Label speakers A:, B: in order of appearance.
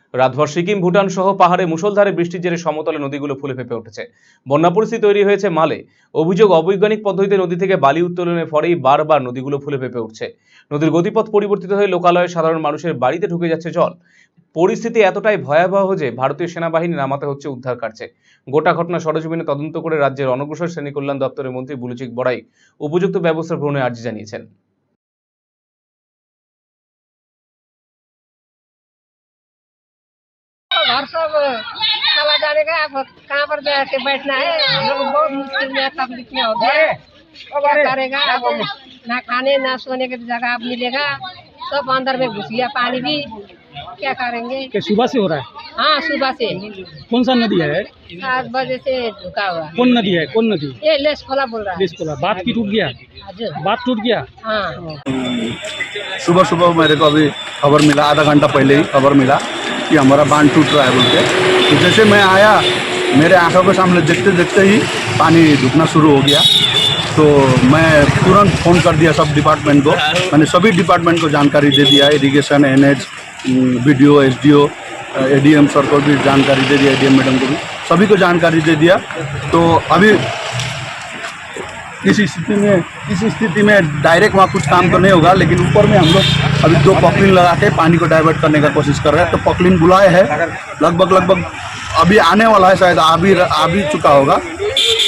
A: রাতভর সিকিম ভুটান সহ পাহাড়ে মুষলধারে বৃষ্টির জেরে সমতলে নদীগুলো ফুলে ফেঁপে উঠেছে। বন্যা পরিস্থিতি তৈরি হয়েছে মালে। অভিযোগ, অবৈজ্ঞানিক পদ্ধতিতে নদী থেকে বালি উত্তোলনের ফলেই বারবার নদীগুলো ফুলে ফেঁপে উঠছে। নদীর গতিপথ পরিবর্তিত হয়ে লোকালয়ে সাধারণ মানুষের বাড়িতে ঢুকে যাচ্ছে জল। পরিস্থিতি এতটাই ভয়াবহ যে ভারতীয় সেনাবাহিনী নামাতে হচ্ছে উদ্ধার কার্যে। গোটা ঘটনা সরেজমিনে তদন্ত করে রাজ্যের অনগ্রসর শ্রেণী কল্যাণ দপ্তরের মন্ত্রী বুলুচিক বড়াই উপযুক্ত ব্যবস্থা গ্রহণের আর্জি জানিয়েছেন।
B: घर सब चला जाने का, अब कहाँ पर जाके बैठना है। हम लोग बहुत मुश्किल में तकलीफ में हो गए। क्या करेगा, अब ना खाने ना सोने की जगह अब मिलेगा, सब अंदर में घुस गया पानी भी। क्या करेंगे।
C: क्या सुबह से हो रहा है?
B: हाँ, सुबह से।
C: कौन सा नदी है?
B: 7 बजे से झुका हुआ।
C: कौन नदी है? कौन नदी?
B: ये लेसखोला बोल रहा है।
C: लेसखोला। बात की टूट गया?
B: हजुर।
C: बात टूट गया?
B: हाँ।
D: सुबह सुबह मेरे को अभी खबर मिला, आधा घंटा पहले ही खबर मिला कि हमारा बांध टूट रहा है बोल के। तो जैसे मैं आया, मेरे आंखों के सामने देखते देखते ही पानी ढुकना शुरू हो गया। तो मैं तुरंत फ़ोन कर दिया सब डिपार्टमेंट को। मैंने सभी डिपार्टमेंट को जानकारी दे दिया, irrigation, NH, BDO, SDO, ADM sir को भी जानकारी दे दिया, ADM मैडम को भी, सभी को जानकारी दे दिया। तो अभी इस स्थिति में डायरेक्ट वहाँ कुछ काम तो नहीं होगा, लेकिन ऊपर में हम लोग अभी 2 पॉकलिन लगा के पानी को डाइवर्ट करने का कोशिश कर रहे हैं। तो पॉकलिन बुलाए हैं, लगभग अभी आने वाला है, शायद आ भी चुका होगा।